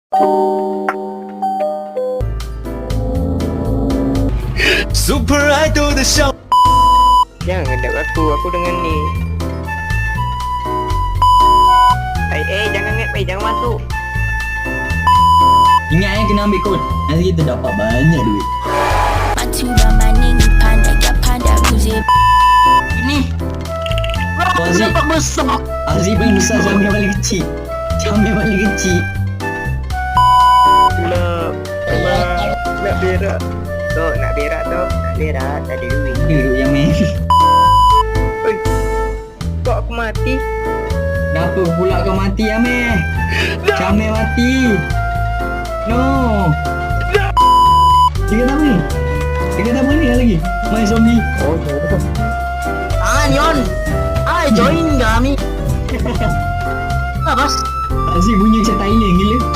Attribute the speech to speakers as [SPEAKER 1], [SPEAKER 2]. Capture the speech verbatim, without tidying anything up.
[SPEAKER 1] Super Idol 的笑。
[SPEAKER 2] Jangan hendak aku, aku dengan ni. Eh, eh jangan ngep, eh jangan masuk.
[SPEAKER 3] Ingat eh kena ambil kod. Nanti kita dapat banyak duit.
[SPEAKER 4] Ini
[SPEAKER 3] Kau Aziz,
[SPEAKER 4] nampak besar.
[SPEAKER 3] Aziz paling besar, Syamil paling kecil. Syamil paling kecil.
[SPEAKER 2] Gelap. Abang, nak berak. Tok, nak berak tok. Nak berak, tak ada duit.
[SPEAKER 3] Duduk yang main.
[SPEAKER 2] Oi, kok aku mati?
[SPEAKER 3] Kenapa pula kau mati, Amir? Syamil mati. No. Dia kata apa ni? Dia kata apa ni lagi? Main zombie.
[SPEAKER 2] Oh, ya.
[SPEAKER 4] Ah, Nyon. Ah, join kami. Apa?
[SPEAKER 3] Aziz bunyi macam Thailand gila.